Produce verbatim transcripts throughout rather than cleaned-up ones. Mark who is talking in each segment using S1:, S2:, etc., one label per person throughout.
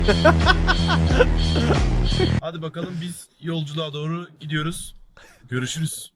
S1: Hadi bakalım biz yolculuğa doğru gidiyoruz. Görüşürüz.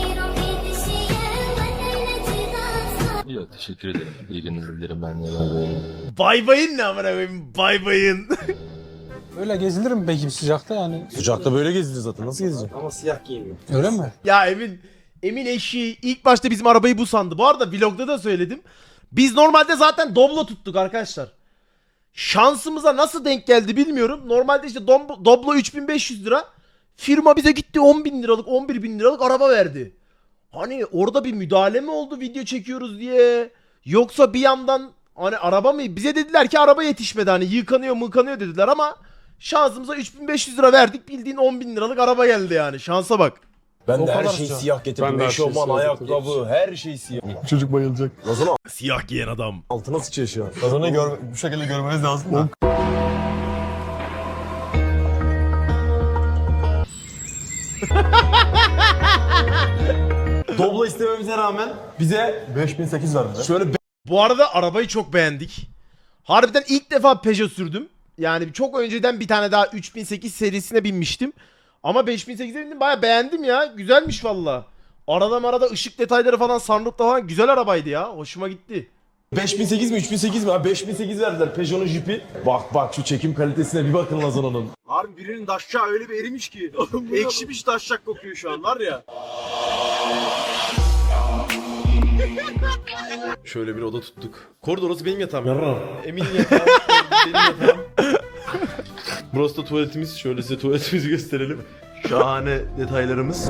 S2: Yok teşekkür ederim. İyi günler dilerim ben de. Bay
S3: Bay bayın ne amına koyayım? Bay bayın.
S4: Öyle gezilir mi peki sıcakta yani?
S5: Sıcakta böyle gezilir zaten. Nasıl gezeceksin?
S6: Ama siyah giymiyor.
S4: Öyle mi?
S3: Ya Emin, Emin eşi ilk başta bizim arabayı bu sandı. Bu arada vlogda da söyledim. Biz normalde zaten Doblo tuttuk arkadaşlar. Şansımıza nasıl denk geldi bilmiyorum. Normalde işte Dom- Doblo üç bin beş yüz lira. Firma bize gitti on bin liralık, on bir bin liralık araba verdi. Hani orada bir müdahale mi oldu video çekiyoruz diye? Yoksa bir yandan hani araba mı? Bize dediler ki araba yetişmedi, hani yıkanıyor mıkanıyor dediler ama şansımıza üç bin beş yüz lira verdik, bildiğin on bin liralık araba geldi yani, şansa bak.
S5: Ben
S4: O
S5: de her
S4: kadar
S5: şeyi
S4: sıcak.
S5: siyah getirdim.
S7: Ben de her şeyi
S5: Eşofman,
S7: siyah
S5: ayakkabı, her şey siyah.
S7: Çocuk bayılacak.
S5: Lazana
S3: Siyah giyen adam.
S5: altına sıçıyor şu an. Lazana'yı gör, bu şekilde görmeniz lazım da. Doblo istememize rağmen bize beş bin sekiz verdiler. Şöyle
S3: Bu arada arabayı çok beğendik. Harbiden ilk defa Peugeot sürdüm. Yani çok önceden bir tane daha üç bin sekiz serisine binmiştim. Ama beş bin sekize bindim, bayağı beğendim ya. Güzelmiş valla. Arada marada ışık detayları falan, sunroofta falan güzel arabaydı ya. Hoşuma gitti.
S5: beş bin sekiz mi üç bin sekiz mi? Ha beş bin sekiz verdiler Peugeot'un jipi. Bak bak şu çekim kalitesine bir bakın Lazana'nın.
S6: Harbi birinin daşşağı öyle bir erimiş ki. Ekşimiş daşşak kokuyor şu an var ya.
S1: Şöyle bir oda tuttuk. Koridor, orası benim yatağım. Emin'in yatağı, benim yatağım. Burası da tuvaletimiz. Şöyle size tuvaletimizi gösterelim. Şahane detaylarımız.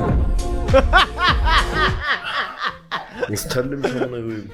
S1: Nasıl terlemiş amına koyayım.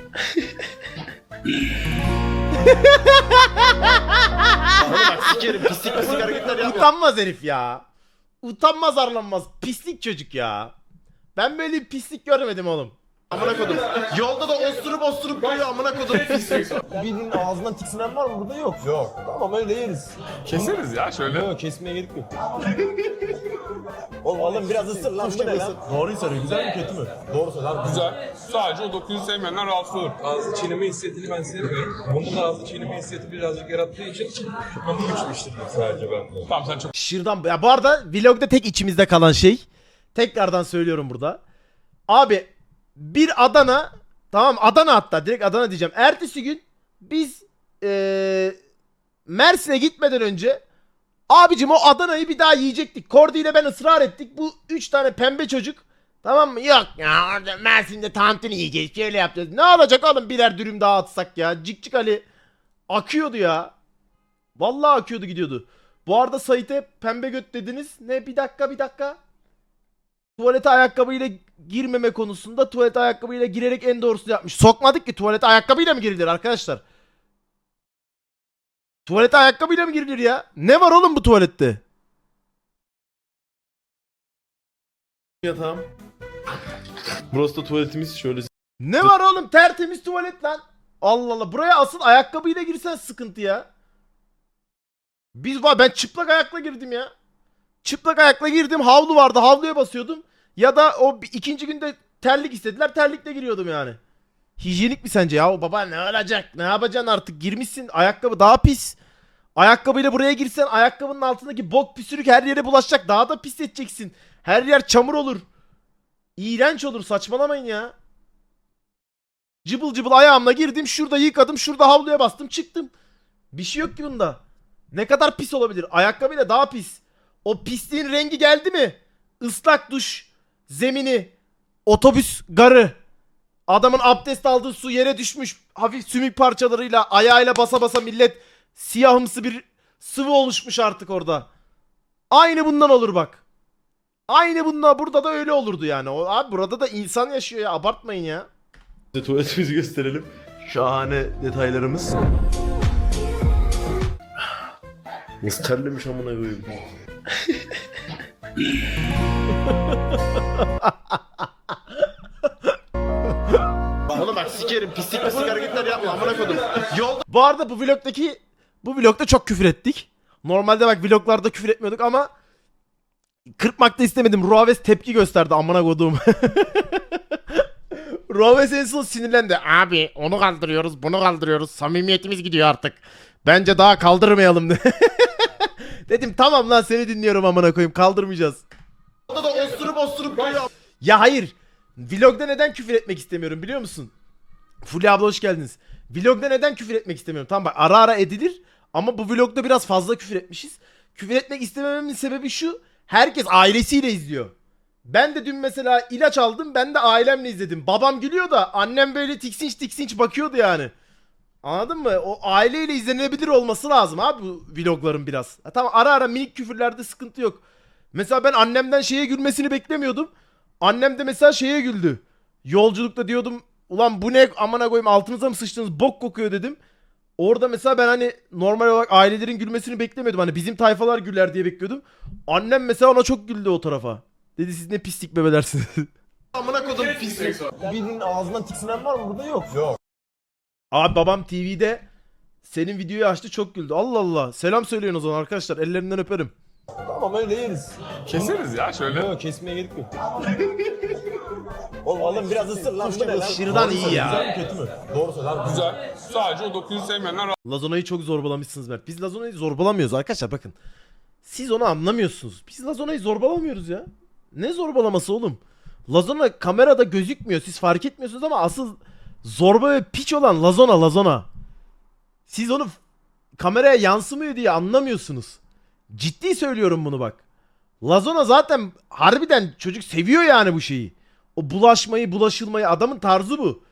S1: Bana bak sikerim, pislik pislik hareketler yapma.
S3: Utanmaz herif ya. Utanmaz arlanmaz. Pislik çocuk ya. Ben böyle bir pislik görmedim oğlum.
S1: Amına kodum. Yolda da osturup osturup duruyor amına kodum pislik.
S5: Birinin ağzından tiksinen var mı? Burada yok. Yok. Tamam öyle yeriz.
S7: Keseriz ya şöyle.
S5: Yok kesmeye gerek yok. Oğlum oğlum biraz ısır lan bu ne lan? Doğruyu söylüyor. Güzel mi kötü mü? Doğru söyle abi.
S7: Güzel. Sadece o dokuyu sevmeyenler rahatsız olur.
S8: Ağzı çiğneme hissiyatını ben sevmiyorum. Bunun da ağzı çiğneme hissiyatı birazcık yarattığı için şıkmamı güçleştirdim sadece ben.
S7: Tamam sen çok
S3: Şırdan. Ya bu arada vlogda tek içimizde kalan şey. Tekrardan söylüyorum burada. Abi bir Adana, tamam Adana, hatta direkt Adana diyeceğim. Ertesi gün biz ee, Mersin'e gitmeden önce abicim o Adana'yı bir daha yiyecektik. Kordi ile ben ısrar ettik. Bu üç tane pembe çocuk, tamam mı? Yok ya orada Mersin'de tantuni yiyeceğiz, şöyle yapacağız. Ne olacak oğlum, birer dürüm daha atsak ya. Cik cik Ali akıyordu ya. Vallahi akıyordu gidiyordu. Bu arada Sait'e pembe göt dediniz. Ne, bir dakika bir dakika. Tuvalete ayakkabıyla girmeme konusunda tuvalete ayakkabıyla girerek en doğrusunu yapmış. Sokmadık ki, tuvalete ayakkabıyla mı girilir arkadaşlar? Tuvalete ayakkabıyla mı girilir ya? Ne var oğlum bu tuvalette?
S1: Yatağım. Burası da tuvaletimiz. Şöyle
S3: Ne var oğlum, tertemiz tuvalet lan. Allah Allah, buraya asıl ayakkabıyla girsen sıkıntı ya. Biz var, ben çıplak ayakla girdim ya. Çıplak ayakla girdim, havlu vardı, havluya basıyordum. Ya da o bir- ikinci günde terlik istediler, terlikle giriyordum yani. Hijyenik mi sence ya? O baba ne olacak? Ne yapacaksın artık? Girmişsin, ayakkabı daha pis. Ayakkabıyla buraya girsen ayakkabının altındaki bok püsürük her yere bulaşacak. Daha da pis edeceksin. Her yer çamur olur. İğrenç olur, saçmalamayın ya. Cıbıl cıbıl ayağımla girdim, şurada yıkadım, şurada havluya bastım, çıktım. Bir şey yok ki bunda. Ne kadar pis olabilir? Ayakkabıyla daha pis. O pisliğin rengi geldi mi? Islak duş, zemini, otobüs garı. Adamın abdest aldığı su yere düşmüş. Hafif sümük parçalarıyla ayağıyla basa basa millet siyahımsı bir sıvı oluşmuş artık orada. Aynı bundan olur bak. Aynı bundan, burada da öyle olurdu yani. O, abi burada da insan yaşıyor ya, abartmayın ya.
S1: size tuvaletimizi gösterelim. Şahane detaylarımız. Nasıl terlemiş amına koyayım. Oğlum bak sikerim, pislik pislik hareketler yapma amına kodum. Yolda
S3: Bu arada bu vlogdaki bu vlogda çok küfür ettik. Normalde bak vloglarda küfür etmiyorduk ama kırpmakta istemedim. Ruaves tepki gösterdi amına kodum. Ruaves en son sinirlendi. Abi onu kaldırıyoruz, bunu kaldırıyoruz. Samimiyetimiz gidiyor artık. Bence daha kaldırmayalım de. Dedim tamam lan seni dinliyorum amına koyayım kaldırmayacağız. Orada da osturup osturup böyle. Ya hayır. Vlogda neden küfür etmek istemiyorum biliyor musun? Fulya abla hoş geldiniz. Vlogda neden küfür etmek istemiyorum? Tamam bak ara ara edilir ama bu vlogda biraz fazla küfür etmişiz. Küfür etmek istemememin sebebi şu. Herkes ailesiyle izliyor. Ben de dün mesela ilaç aldım. Ben de ailemle izledim. Babam gülüyor da annem böyle tiksinç tiksinç bakıyordu yani. Anladın mı? O aileyle izlenebilir olması lazım abi bu vlogların biraz. Ha, tamam ara ara minik küfürlerde sıkıntı yok. Mesela ben annemden şeye gülmesini beklemiyordum. Annem de mesela şeye güldü. Yolculukta diyordum ulan bu ne amına koyayım altınıza mı sıçtınız bok kokuyor dedim. Orada mesela ben hani normal olarak ailelerin gülmesini beklemiyordum. Hani bizim tayfalar güler diye bekliyordum. Annem mesela ona çok güldü o tarafa. Dedi siz ne pislik bebelersiniz. Amına kodum pislik.
S5: Birinin ağzından tiksinen var mı burada? Yok. Yok.
S3: Abi babam T V'de senin videoyu açtı çok güldü. Allah Allah. Selam söyleyin o zaman arkadaşlar. Ellerinden öperim.
S5: Tamam öyle yeriz.
S7: Keseriz ya şöyle.
S5: Yok kesmeye gerek yok. Oğlum oğlum biraz ısır lan. Bu ne lan?
S3: Şırdan
S5: Doğru
S3: iyi
S5: söyle,
S3: ya.
S5: Güzel mi kötü mü? Doğru söyle abi.
S7: Güzel. Sadece o dokuyu sevmeyenler
S3: Lazona'yı çok zorbalamışsınız Mert. Biz Lazona'yı zorbalamıyoruz arkadaşlar bakın. Siz onu anlamıyorsunuz. Biz Lazona'yı zorbalamıyoruz ya. Ne zorbalaması oğlum? Lazona kamerada gözükmüyor. Siz fark etmiyorsunuz ama asıl zorba ve piç olan Lazona Lazona. Siz onu f- kameraya yansımıyor diye anlamıyorsunuz. Ciddi söylüyorum bunu bak. Lazona zaten harbiden çocuk seviyor yani bu şeyi. O bulaşmayı, bulaşılmayı adamın tarzı bu.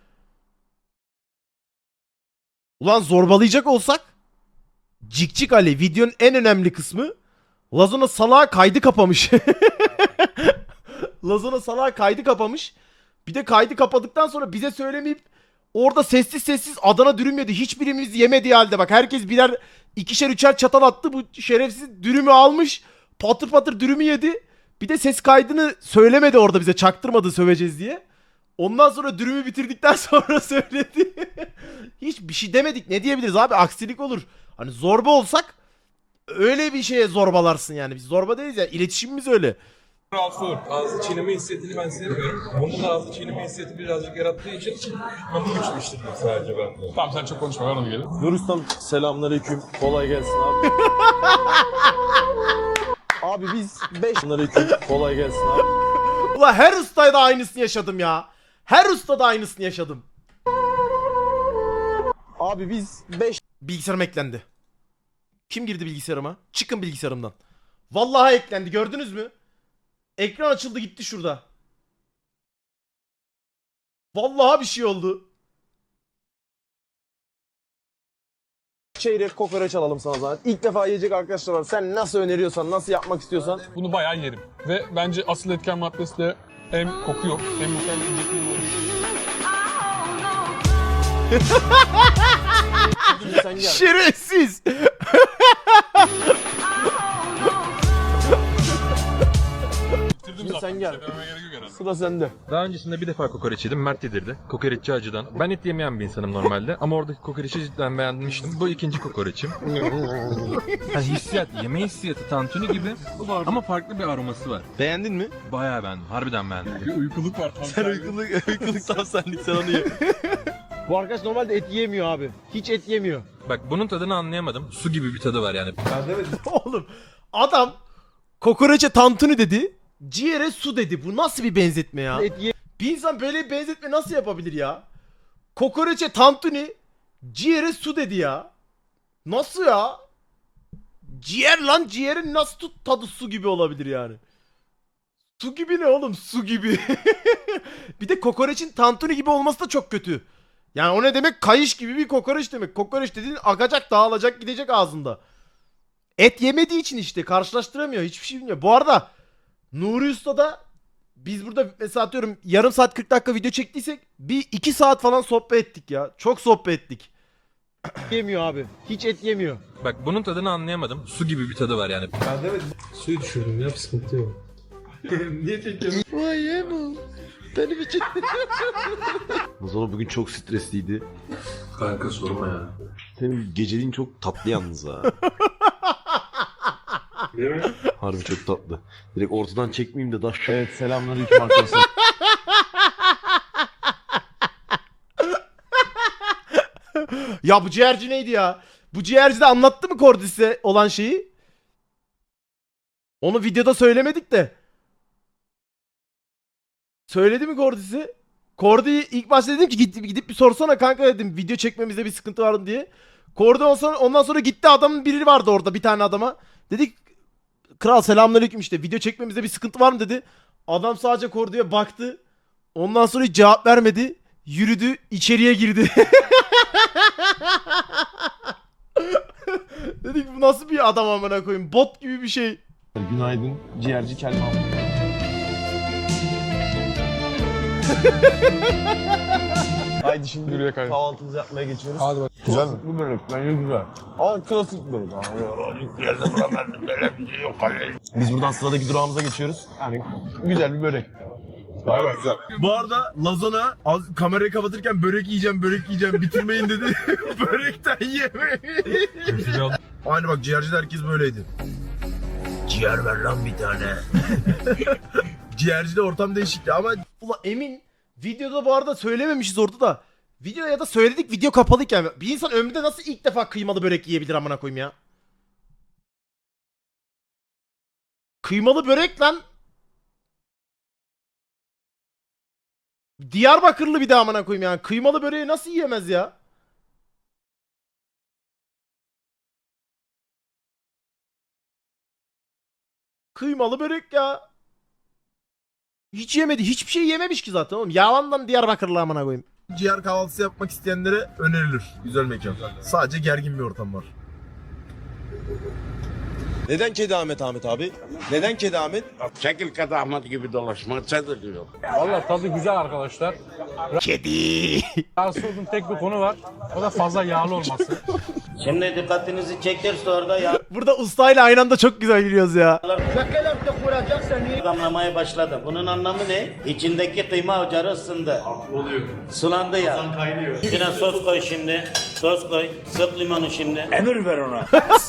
S3: Ulan zorbalayacak olsak Cikcik Ali videonun en önemli kısmı Lazona salağa kaydı kapamış. Lazona salağa kaydı kapamış. Bir de kaydı kapadıktan sonra bize söylemeyip orada sessiz sessiz Adana dürüm yedi. Hiçbirimiz yemediği halde bak herkes birer ikişer üçer çatal attı. Bu şerefsiz dürümü almış. Patır patır dürümü yedi. Bir de ses kaydını söylemedi orada bize çaktırmadı söveceğiz diye. Ondan sonra dürümü bitirdikten sonra söyledi. Hiç bir şey demedik. Ne diyebiliriz abi? Aksilik olur. Hani zorba olsak öyle bir şeye zorbalarsın yani. Biz zorba değiliz ya. İletişimimiz öyle.
S8: rahatsız olur. Ağzı çiğneme hissiyatını ben sevmiyorum. Bunun da ağzı çiğneme hissiyatı birazcık yarattığı için onu güçleştirdim sadece ben.
S7: Tamam sen çok konuşma ver onu gelin.
S5: Nur Ustam selamünaleyküm. Kolay gelsin abi. Abi biz beş Selamünaleyküm. Kolay gelsin abi.
S3: Ulan her ustada aynısını yaşadım ya. Her ustada aynısını yaşadım.
S5: Abi biz beş
S3: Bilgisayarım eklendi. Kim girdi bilgisayarıma? Çıkın bilgisayarımdan. Vallahi eklendi gördünüz mü? Ekran açıldı gitti şurada. Vallahi bir şey oldu.
S5: çeyrek kokoreç alalım sana zaten. İlk defa yiyecek arkadaşlar var. Sen nasıl öneriyorsan, nasıl yapmak istiyorsan.
S7: Bunu bayağı yerim. Ve bence asıl etken maddesi de hem koku yok hem mükemmel yiyecekliği yok.
S5: Sen gel.
S3: Şerefsiz.
S7: Bitirdim
S5: Şimdi
S7: zaten.
S5: sen gel.
S7: Söylememe gerek yok herhalde.
S5: Sıra sende.
S2: Daha öncesinde bir defa kokoreç yedim. Mert yedirdi. Kokoreççi acıdan. Ben et yemeyen bir insanım normalde. Ama oradaki kokoreçi cidden beğenmiştim. Bu ikinci kokoreçim.
S9: Yani hissiyat, yeme hissiyatı tantuni gibi ama farklı bir aroması var.
S3: Beğendin mi?
S9: Bayağı beğendim, harbiden beğendim.
S7: Bir uykuluk var tam.
S3: Sen uykuluk, uykuluk tam senlik sen onu ye.
S5: Bu arkadaş normalde et yemiyor abi. Hiç et yemiyor.
S2: Bak bunun tadını anlayamadım. Su gibi bir tadı var yani.
S3: Oğlum adam kokoreçe tantuni dedi. Ciğere su dedi. Bu nasıl bir benzetme ya?
S5: Et ye
S3: Bir insan böyle bir benzetme nasıl yapabilir ya? Kokoreçe tantuni, ciğere su dedi ya. Nasıl ya? Ciğer lan ciğerin nasıl tut tadı su gibi olabilir yani? Su gibi ne oğlum? Su gibi. Bir de kokoreçin tantuni gibi olması da çok kötü. Yani o ne demek? Kayış gibi bir kokoreç demek. Kokoreç dediğin akacak, dağılacak, gidecek ağzında. Et yemediği için işte karşılaştıramıyor. Hiçbir şey bilmiyor. Bu arada Nuri Usta'da biz burada mesela atıyorum yarım saat kırk dakika video çektiysek bir iki saat falan sohbet ettik ya. Çok sohbet ettik.
S5: yemiyor abi. Hiç et yemiyor.
S2: Bak bunun tadını anlayamadım. Su gibi bir tadı var yani.
S8: Suyu düşürdüm ya sıkıntı yok.
S3: Benim için. Nazlı bugün çok stresliydi.
S8: Kanka sorma ya.
S1: Senin geceliğin çok tatlı yalnız ha.
S8: Değil mi?
S1: Harbi çok tatlı. Direkt ortadan çekmeyeyim de daş.
S5: Evet selamünaleyküm arkadaşlar.
S3: Ya bu ciğerci neydi ya? Bu ciğerci de anlattı mı Cordis'e olan şeyi? Onu videoda söylemedik de. Söyledi mi Cordis'e? Cordy'yi ilk başta dedim ki gidip, gidip bir sorsana kanka dedim. Video çekmemizde bir sıkıntı var mı diye. Cordy ondan sonra, ondan sonra gitti, adamın biri vardı orada, bir tane adama. Dedik kral selamünaleyküm, işte video çekmemizde bir sıkıntı var mı dedi. Adam sadece Cordy'ye baktı. Ondan sonra hiç cevap vermedi. Yürüdü, içeriye girdi. Dedik bu nasıl bir adam amına koyayım? Bot gibi bir şey.
S5: Günaydın ciğerci Kelman. Haydi şimdi
S7: Yürüye kaydı.
S5: kahvaltımızı yapmaya geçiyoruz.
S4: Hadi bak.
S5: Güzel mi? Bu börek bence güzel. Ama klasik börek. Biz buradan sıradaki durağımıza geçiyoruz. Yani güzel bir börek. Gayet güzel.
S1: Bu arada Lazona az, kamerayı kapatırken börek yiyeceğim, börek yiyeceğim, bitirmeyin dedi. Börekten yemeyin. Aynı bak, ciğercide herkes böyleydi. Ciğer ver lan bir tane. Ciğercide ortam değişikti ama...
S3: Ulan emin videoda bu arada söylememişiz orada da. Video ya da söyledik, video kapalıyken. Bir insan ömründe nasıl ilk defa kıymalı börek yiyebilir amına koyayım ya? Kıymalı börek lan. Diyarbakırlı bir de amına koyayım yani. Kıymalı böreği nasıl yiyemez ya? Kıymalı börek ya. Hiç yemedi. Hiçbir şey yememiş ki zaten oğlum. Yalandan Diyarbakırlı amına koyayım.
S1: ciğer kahvaltısı yapmak isteyenlere önerilir. Güzel mekan. Sadece gergin bir ortam var.
S5: Neden Kedi Ahmet Ahmet abi? Neden Kedi Ahmet?
S10: Çekil Kedi Ahmet gibi dolaşma, çadır diyor.
S4: Valla tadı güzel arkadaşlar.
S3: Kedi.
S4: Rahatsız olduğum tek bir konu var. O da fazla yağlı olması.
S10: Şimdi dikkatinizi çektirse orada
S3: Burada ustayla aynı anda çok güzel gülüyoruz ya.
S10: damlamaya başladı. Bunun anlamı ne? İçindeki kıyma ocağı ısındı. Oluyor. Sulandı ya. Kaynıyor. İçine sos koy şimdi. Sos koy. Sık limonu şimdi. Emir ver ona.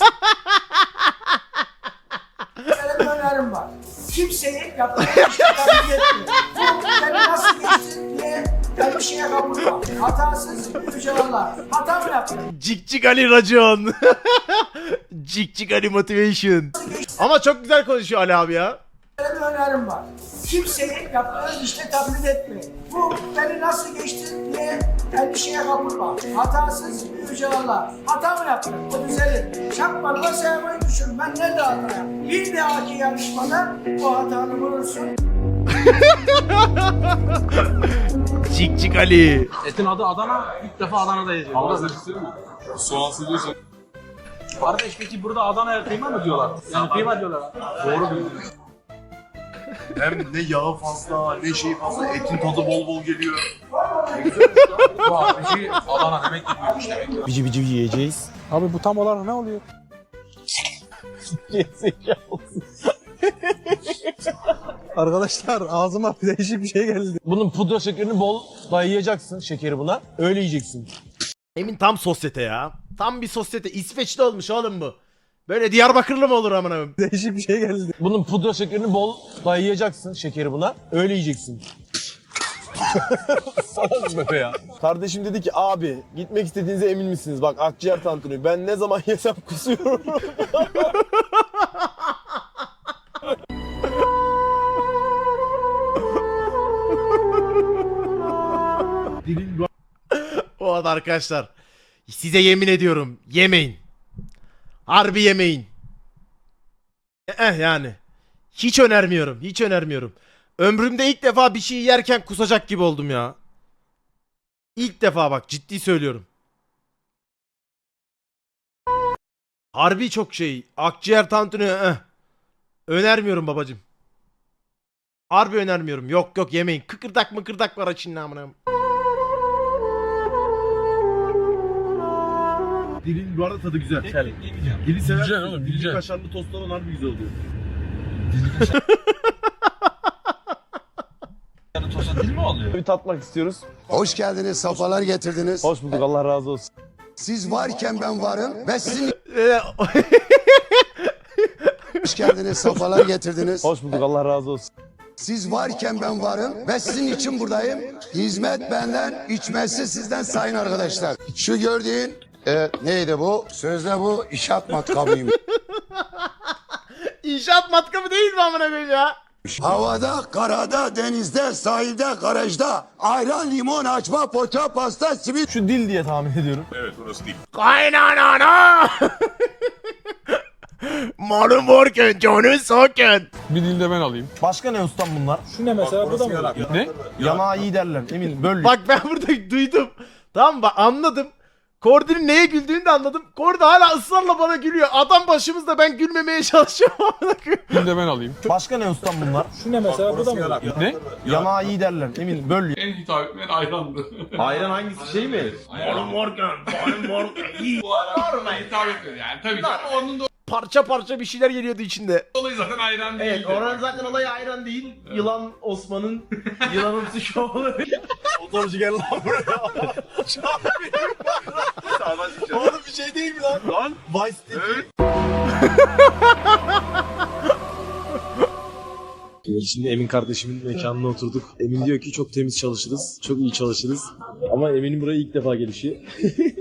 S11: önerim var. Kimseyi yaptığı işe kabul etmiyor. Bu beni nasıl geçsin diye ben bir şeye kapılmam. Hatasız yüce Allah. Hata mı yaptın?
S3: Cik cik Ali racon. Cik cik Ali motivation. Ama çok güzel konuşuyor Ali abi ya.
S11: Benim önerim var. Kimseyi yaptığı işte taklit etmeyin. Bu beni nasıl geçti diye ben bir şeye kapılmam. Hatasız yüce Allah. Hata mı yaptın? O düzelir. Şapmalı sevmeyi düşün. Ben nerede hata yaptım? Bir dahaki yarışmada bu hatanı bulursun.
S3: Cik cik Ali.
S4: Etin adı Adana. İlk defa Adana'da yiyeceğim.
S7: Ama soğansız diyorsun.
S4: Kardeş peki burada Adana'ya kıyma mı diyorlar? Yani kıyma diyorlar. Doğru bildiniz.
S6: Hem ne yağı fazla, ne şey fazla, etin tadı bol bol geliyor.
S4: Bu abi Adana demek ki büyümüş demek ki.
S3: Bici bici yiyeceğiz.
S4: Abi bu tam olarak ne oluyor? Arkadaşlar ağzıma değişik bir şey geldi.
S5: Bunun pudra şekerini bol dayayacaksın şekeri buna. Öyle yiyeceksin.
S3: Emin tam sosyete ya. Tam bir sosyete. İsveçli olmuş oğlum bu. Böyle Diyarbakırlı mı olur amına koyayım?
S4: Değişik bir şey geldi.
S5: Bunun pudra şekerini bol dayayacaksın şekeri buna. Öyle yiyeceksin. Salak be ya. Kardeşim dedi ki abi gitmek istediğinize emin misiniz? Bak akciğer tantuni. Ben ne zaman yesem kusuyorum.
S3: O arada arkadaşlar. Size yemin ediyorum. Yemeyin. Harbi yemeyin. Eh yani. Hiç önermiyorum. Hiç önermiyorum. Ömrümde ilk defa bir şey yerken kusacak gibi oldum ya. İlk defa bak, ciddi söylüyorum. Harbi çok şey. Akciğer tantuni eh. Önermiyorum babacım. Harbi önermiyorum. Yok yok yemeyin. Kıkırdak mıkırdak var açın amına.
S1: Dilin bu arada tadı güzel. Dili sever.
S7: Güzel oğlum,
S1: Dili
S7: güzel.
S1: kaşarlı tost olan harbi güzel oluyor.
S5: Bir tatmak istiyoruz.
S10: Hoş geldiniz, safalar getirdiniz.
S5: Hoş bulduk, Allah razı olsun.
S10: Siz varken ben varım ve sizin
S3: Ee,
S10: hoş geldiniz, safalar getirdiniz.
S5: Hoş bulduk, Allah razı olsun.
S10: Siz varken ben varım ve sizin için buradayım. Hizmet benden, içmesi sizden sayın arkadaşlar. Şu gördüğün
S5: Evet, neydi bu? Sözde bu inşaat matkabıymış.
S3: İnşaat matkabı değil mi amına koyayım ya?
S5: Havada, karada, denizde, sahilde, garajda ayran, limon, açma, poğaça, pasta, simit.
S1: Şu dil diye tahmin ediyorum.
S6: Evet orası değil.
S3: Kaynanana! Malum varken canı sokken.
S7: Bir dilde ben alayım.
S1: Başka ne ustam bunlar?
S4: Şu ne mesela? Bu da mı?
S7: Ne?
S1: Yanağı iyi derler. Emin böl.
S3: Bak ben burada duydum. Tamam mı? Bak anladım. Kordi'nin neye güldüğünü de anladım. Kordi hala ısrarla bana gülüyor. Adam başımızda, ben gülmemeye çalışıyorum.
S7: Bir dilde ben alayım.
S1: Başka ne ustam bunlar?
S4: Şu ne mesela? Bu da mı?
S7: Ne?
S1: Yanağı iyi derler. Emin böl.
S7: En hitap etmeyen ayrandı.
S1: Ayran hangisi şey mi?
S7: Malum varken, malum varken. İyi. Bu ara hitap etmedi yani. Tabii ki. Ama onun da
S3: Parça parça bir şeyler geliyordu içinde.
S7: olayı zaten ayran değil.
S1: Evet, oranın zaten olayı ayran değil. Yılan Osman'ın yılanımsı şovu. Motorcu gel lan buraya. Oğlum bir şey değil mi lan? Lan Vice City.
S5: Şimdi Emin kardeşimin mekanına oturduk. Emin diyor ki çok temiz çalışırız, çok iyi çalışırız. Ama Emin'in buraya ilk defa gelişi.